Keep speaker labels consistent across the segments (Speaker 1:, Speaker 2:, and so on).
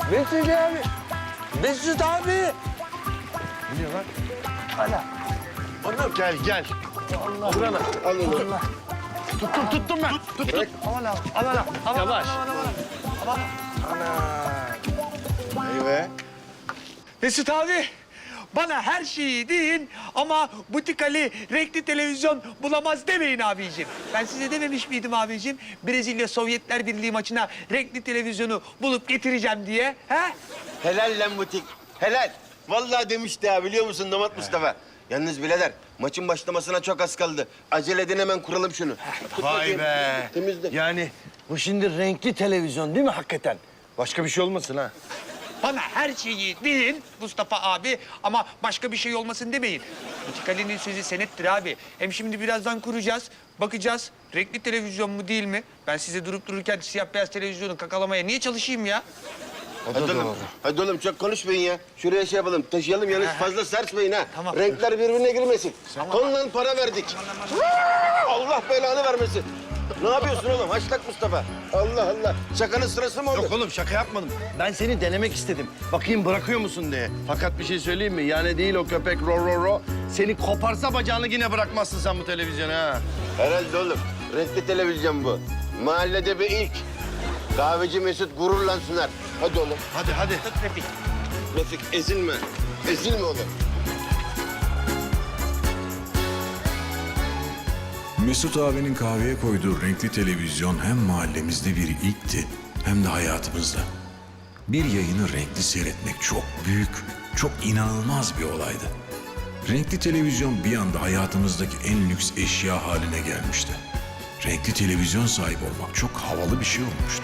Speaker 1: Mesut abi. Mesut abi.
Speaker 2: Ne diyor lan?
Speaker 1: Hala.
Speaker 2: Onur gel gel.
Speaker 1: Allah.
Speaker 2: Dur ana. Al onu.
Speaker 1: Allah.
Speaker 2: Tuttum ben. Tuttum.
Speaker 1: Aman abi. Aman abi. Aman,
Speaker 2: Yavaş.
Speaker 1: Aman.
Speaker 2: Ana. Eyvah.
Speaker 3: Mesut abi, bana her şeyi deyin ama butik Ali renkli televizyon bulamaz demeyin abiciğim. Ben size dememiş miydim abiciğim? Brezilya Sovyetler Birliği maçına renkli televizyonu bulup getireceğim diye. He?
Speaker 4: Helal lan butik. Helal. Vallahi demişti ha biliyor musun Damat Mustafa? Yalnız birader maçın başlamasına çok az kaldı. Acele edin hemen kuralım şunu. Tut
Speaker 2: Vay
Speaker 4: bakayım.
Speaker 2: be.
Speaker 4: Temizle.
Speaker 2: Yani bu şimdi renkli televizyon değil mi hakikaten? Başka bir şey olmasın ha.
Speaker 3: Bana her şeyi deyin Mustafa abi ama başka bir şey olmasın demeyin. Butik Ali'nin sözü senettir abi. Hem şimdi birazdan kuracağız, bakacağız. Renkli televizyon mu değil mi? Ben size durup dururken siyah beyaz televizyonu kakalamaya niye çalışayım ya?
Speaker 4: Hadi oğlum. Hadi oğlum çok konuşmayın ya. Şuraya şey yapalım taşıyalım yalnız fazla sarsmayın ha.
Speaker 3: Tamam.
Speaker 4: Renkler birbirine girmesin. Tonla para verdik. Allah belanı vermesin. Ne yapıyorsun oğlum? Haşlak Mustafa. Allah Allah. Şakanın sırası mı oldu?
Speaker 2: Yok oğlum şaka yapmadım. Ben seni denemek istedim. Bakayım bırakıyor musun diye. Fakat bir şey söyleyeyim mi? Yani değil o köpek ro. Seni koparsa bacağını yine bırakmazsın sen bu televizyonu ha.
Speaker 4: Herhalde oğlum. Renkli televizyon bu. Mahallede bir ilk. Kahveci Mesut gururla sunar. Hadi oğlum.
Speaker 2: Hadi.
Speaker 3: Refik.
Speaker 4: Refik ezilme. Ezilme oğlum.
Speaker 5: Mesut abinin kahveye koyduğu renkli televizyon hem mahallemizde bir ilkti hem de hayatımızda. Bir yayını renkli seyretmek çok büyük, çok inanılmaz bir olaydı. Renkli televizyon bir anda hayatımızdaki en lüks eşya haline gelmişti. Renkli televizyon sahibi olmak çok havalı bir şey olmuştu.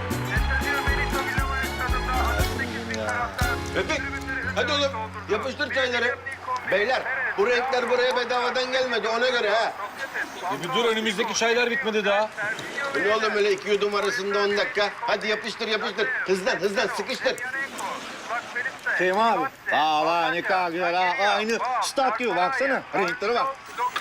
Speaker 4: Refik hadi oğlum yapıştır çayları. Beyler bu renkler buraya bedavadan gelmedi ona göre ha.
Speaker 6: Bir dur önümüzdeki çaylar bitmedi daha.
Speaker 4: Bu ne oğlum öyle iki yudum arasında 10 dakika. Hadi yapıştır. Hızlan sıkıştır.
Speaker 7: Fehmi abi. Aa ne kadar güzel ha. Aynı stat gibi baksana. Renklere bak.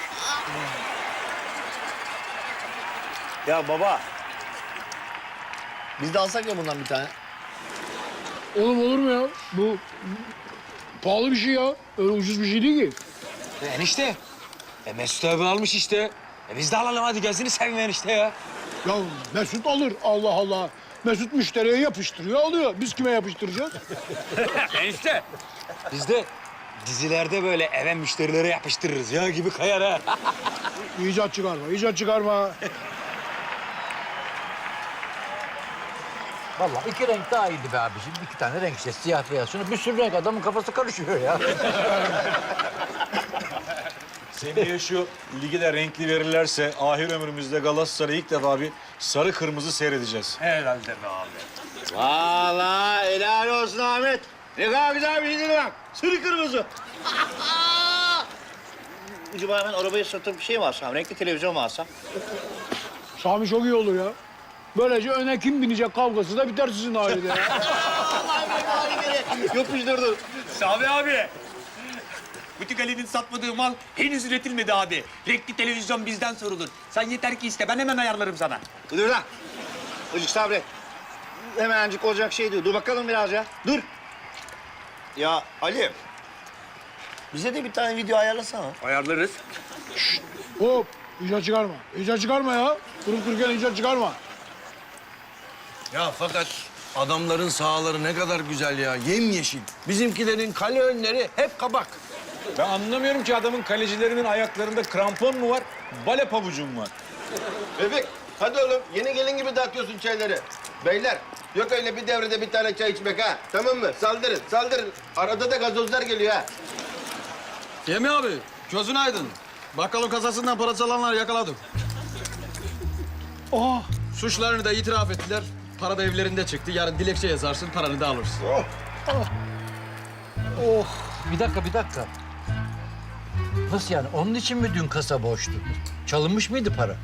Speaker 7: Ya baba. Biz de alsak ya bundan bir tane.
Speaker 8: Oğlum olur mu ya? Bu pahalı bir şey ya. Öyle ucuz bir şey değil ki.
Speaker 6: Enişte. Mesut abi almış işte. Biz de alalım hadi gözünü seveyim enişte ya.
Speaker 8: Ya Mesut alır. Allah Allah. Mesut müşteriye yapıştırıyor, alıyor. Biz kime yapıştıracağız?
Speaker 6: Enişte. Biz de dizilerde böyle eve müşterilere yapıştırırız ya gibi kayar ha.
Speaker 8: İcat çıkarma.
Speaker 9: Vallahi iki renk daha iyiydi be abiciğim. İki tane renk işte siyah beyaz. Şuna bir sürü renk adamın kafası karışıyor ya.
Speaker 6: Seneye şu ligi de renkli verirlerse ahir ömrümüzde Galatasaray'ı ilk defa bir sarı kırmızı seyredeceğiz.
Speaker 3: Herhalde be abi.
Speaker 7: Vallahi helal olsun Ahmet. Ne kadar güzel bir şey değil bak. Sarı kırmızı. Acaba ben arabayı satıp bir şey mi alsam? Renkli televizyon mu alsam?
Speaker 8: Sami çok iyi olur ya. Böylece öne kim binecek kavgası da biter sizin ailede ya.
Speaker 7: Yapıştırdım.
Speaker 3: Sami abi. Butik Ali'nin satmadığı mal henüz üretilmedi abi. Renkli televizyon bizden sorulur. Sen yeter ki iste, ben hemen ayarlarım sana.
Speaker 7: Dur lan. Azıcık sabret. Hemencik olacak şey değil. Dur bakalım biraz ya. Dur. Ya Ali. Bize de bir tane video ayarlasana.
Speaker 3: Ayarlarız.
Speaker 8: Hop, İcat çıkarma ya. Durup dururken icat çıkarma.
Speaker 2: Ya fakat adamların sahaları ne kadar güzel ya. Yemyeşil. Bizimkilerin kale önleri hep kabak.
Speaker 6: Ben anlamıyorum ki adamın kalecilerinin ayaklarında krampon mu var, bale pabucu mu var?
Speaker 4: Refik hadi oğlum yeni gelin gibi dağıtıyorsun çayları. Beyler yok öyle bir devrede bir tane çay içmek ha. Tamam mı? Saldırın. Arada da gazozlar geliyor ha.
Speaker 10: Yemi abi, gözün aydın. Bakkalın kasasından para çalanlar yakaladım.
Speaker 8: Oha.
Speaker 10: Suçlarını da itiraf ettiler. Para da evlerinde çıktı. Yarın dilekçe yazarsın, paranı da alırsın.
Speaker 9: Bir dakika. Nasıl yani? Onun için mi dün kasa boştu? Çalınmış mıydı para?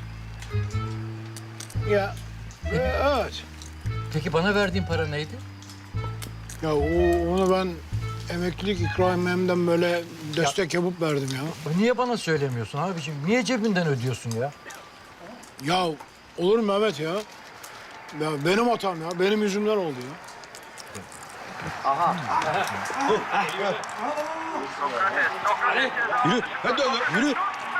Speaker 8: Ya, evet.
Speaker 9: Peki bana verdiğin para neydi?
Speaker 8: Ya onu ben emeklilik ikramiyemden böyle destek yapıp verdim ya.
Speaker 9: Niye bana söylemiyorsun abiciğim? Niye cebinden ödüyorsun ya?
Speaker 8: Ya olur mu Mehmet ya? Ya benim hatam ya. Benim yüzümden oldu ya.
Speaker 6: Yürü. Hadi oğlum yürü.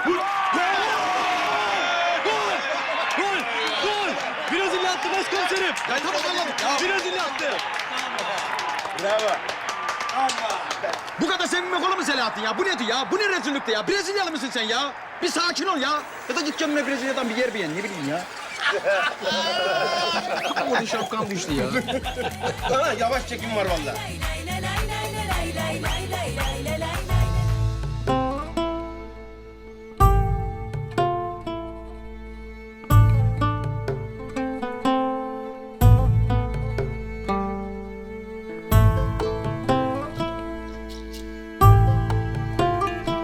Speaker 10: Gol! Brezilya attı başkomiserim. Brezilya attı.
Speaker 4: Bravo.
Speaker 10: Bu kadar sevinmek olur mu Selahattin ya? Bu nedir ya? Bu ne rezillikti ya? Brezilyalı mısın sen ya? Bir sakin ol ya. Ya da git kendine Brezilya'dan bir yer beğen. Ne bileyim ya. Orada şapkam düştü ya.
Speaker 4: Ana yavaş çekim var vallahi.
Speaker 11: lay lay lay lay lay lay lay lay lay.